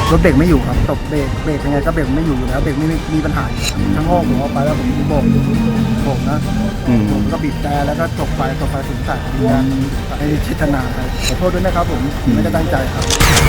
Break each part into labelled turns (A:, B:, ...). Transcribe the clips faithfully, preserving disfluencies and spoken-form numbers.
A: รถเบรกไม่อยู่ครับตบเบรกเบรกยังไงก็เบรกไม่อยู่อยู่แล้วเบรกไม่มีปัญหาทั้งโง่ผมออกไปแล้วผมโบกโบกนะผมก็บีบแต่แล้วก็ตกไฟตกไฟสูงใส่บีบแต่ในเจตนาขอโทษด้วยนะครับผมไม่ได้ตั้งใจครับ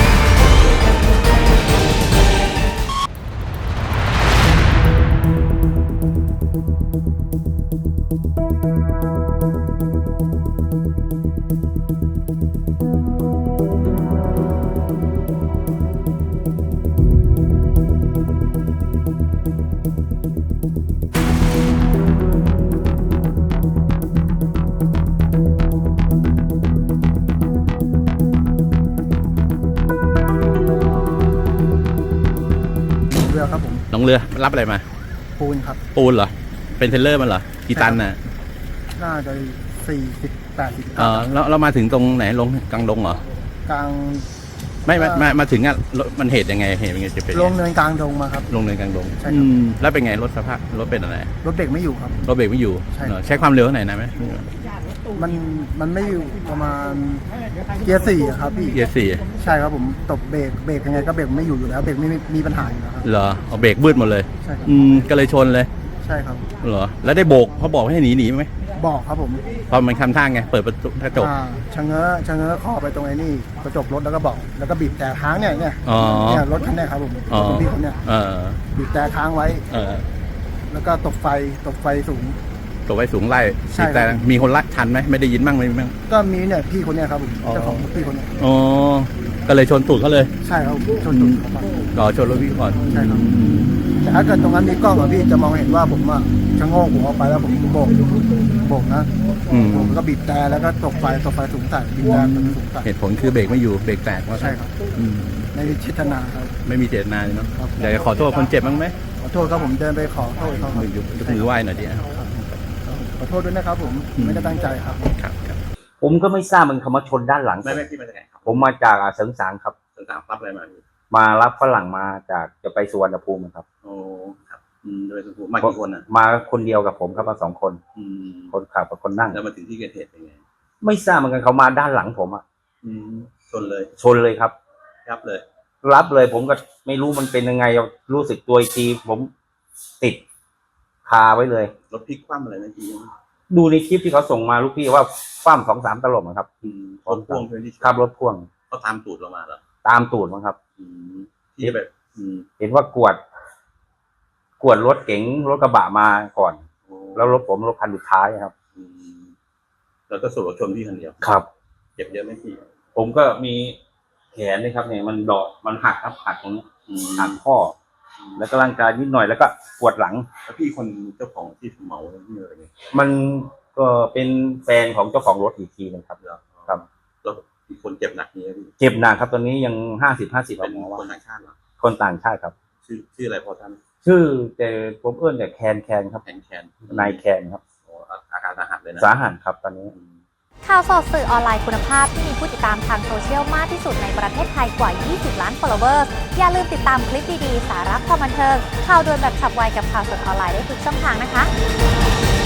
A: เรือครับผม
B: น้องเรือรับอะไรมา
A: ปูนครับ
B: ปูนเหรอเป็นเทรลเลอร์มันเหรอกี่ตันน่ะ
A: น่าจะสี่สิบแปดสิบ
B: เออแล้วเรามาถึงตรงไหนลงกลางลงเหรอก
A: ลาง
B: ไม่มามามาถึงอ่ะรถมันเหตุยังไงเหตุยังไงจะเป็น
A: ลงเนินกลางดงมาครับ
B: ลงเนินกลางลง
A: ใช่ครับ
B: อืมแล้วเป็นไงรถสภาพรถเป็นอะไร
A: รถเบรกไม่อยู่ครับ
B: รถเบรกไม่อยู่
A: ใช่
B: เหรอใช้ความเร็วเท่าไหร่นะไหม
A: มันมันไม่อยู่ประมาณเกียร์สี่อะครับพี่
B: เกียร์สี่
A: ใช่ครับผมตบเบรกเบรกยังไงก็เบรกไม่อยู่อยู่แล้วเบรกไม่มีปัญหาอยู่แล้วครับ
B: เหรอเอาเบรกบืดหมดเลย
A: ใช่ครับ
B: อืมก็เลยชนเลย
A: ใช่ครับ
B: เหรอแล้วได้โบกเขาบอกให้หนีหนีไหม
A: บอกครับผม
B: พอมันคำท่าไงเปิดประตูกระจก
A: อ่าชะเง้อชะเง้อคอไปตรงไอ้นี่กระจกรถแล้วก็บอกแล้วก็บีบแต่ค้างเนี่ยเนี่ย
B: อ๋อ
A: เนี่ยรถคันเนี้ยครับผม
B: อ๋อ
A: รถพี่คนเนี้ย
B: เออ
A: บีบแต่ค้างไว้
B: เออ
A: แล้วก็ตบไฟตบไฟสูง
B: ตัวไว้สูงไล่
A: ใช่ครับ
B: แต่มีคนรักทันไหมไม่ได้ยินบ้างไหมบ้าง
A: ก็มีเนี่ยพี่คนเนี้ยครับผม
B: อ๋อ
A: เจ้าของพี่คนเนี้ย
B: อ๋อก็เลยชนตูดเขาเลย
A: ใช่ครับชนตุ่มเข้าไป
B: รอชนรถพี่ก่อน
A: ใช่ครับแต่ถ้าเกิดตรงนั้นมีกล้องอะพี่จะมองเห็นว่าผมอะชะโงกหัวออกไปแล้วผมโบกโบกนะ
B: อืม
A: ผมก็บีบแต่แล้วก็ตกไฟตกไฟสูงใส่บีบแต่สูงใส่
B: เหตุผลคือเบรกไม่อยู่เบรกแตกว่า
A: ใช่ครับ
B: อืม
A: ในเจตนาครับ
B: ไม่มีเจตนาใช่ไหม
A: ครับ
B: อยากจะขอโทษคนเจ็บบ้างไหม
A: ขอโทษครับผมเดินไปขอโทษเขาครับ
B: ยกยกมือไหว้หน่อยดิอ่ะ
A: ขอโทษด้วยนะครับผมไม่ได้ตั้งใจครับ
B: ครับครับ
C: ผมก็ไม่ทราบมันคำว่าชนด้านหลัง
B: ไม่ไม่พี่มาจากไหนครับ
C: ผมมาจากอ่าเสริงสางครับ
B: ต่างๆรับอะไรมาพี่
C: มารับฝรั่งมาจากจะไปสุวรรณภูมิครับ
B: โอ้ครับอืมโดยสมมติมากี่คนอ่ะ
C: มาคนเดียวกับผมครับมาสองคน
B: อืม
C: คนขับกับคนนั่ง
B: แล้วมาถึงที่เกิดเหตุเป็นไง
C: ไม่ทราบเหมือนกันเขามาด้านหลังผมอ่ะ
B: อืมชนเลย
C: ชนเลยครับ
B: ยับเลย
C: รับเลยผมก็ไม่รู้มันเป็นยังไงรู้สึกตัวอีกทีผมติดคาไว้เลย
B: รถพลิกคว่ำอะไรนะพี่
C: ดูในคลิปที่เขาส่งมาลูกพี่ว่าฟ้ามสองสามตลบอะครับ
B: อืมรถพ่วงเพื่อนที่
C: ขับรถพ่วง
B: เขาตามตูดเรามาเหรอ
C: ตามตูดมั้งครับ
B: อืมที่แบบอืม
C: เห็นว่ากวด กวดรถเก๋งรถกระบะมาก่อน
B: โอ้
C: แล้วรถผมรถคันสุดท้ายครับ
B: อืมแล้วก็สรุปว่าชนพี่คนเดียว
C: ครับ
B: เจ็บเยอะไหมพี่
C: ผมก็มีแขนนี่ครับเนี่ยมันดอกมันหักครับหักตรงนี้
B: อืม
C: หักข้อ แล้วก็ร่างกายนิดหน่อยแล้วก็ปวดหลัง
B: แล้วพี่คนเจ้าของที่เหมาที่อะไรเนี่ย
C: มันก็เป็นแฟนของเจ้าของรถอีกทีนึงครับ ครับ
B: แล้วอีกคนเจ็บหนักนี้พี่
C: เจ็บหนักครับตอนนี้ยังห้าสิบห้าสิบ
B: เป็น
C: หมอ
B: ค
C: ว่าน
B: ต่างชาติเหรอ
C: คนต่างชาติครับ
B: ชื่อชื่ออะไรพอท่าน
C: ชื่อแต่ผมเอื้อนแต่แคนแคนครับ
B: แคนแคน
C: นายแคนครับ
B: โอ้อาการสาหัสเลยนะ
C: สาหัสครับตอนนี้
D: ข่าวสดสื่อออนไลน์คุณภาพที่มีผู้ติดตามทางโซเชียลมากที่สุดในประเทศไทยกว่า ยี่สิบ ล้าน followers อย่าลืมติดตามคลิปดี ๆ สาระความบันเทิง ข่าวด่วนแบบฉับไวกับข่าวสดออนไลน์ได้ทุกช่องทางนะคะ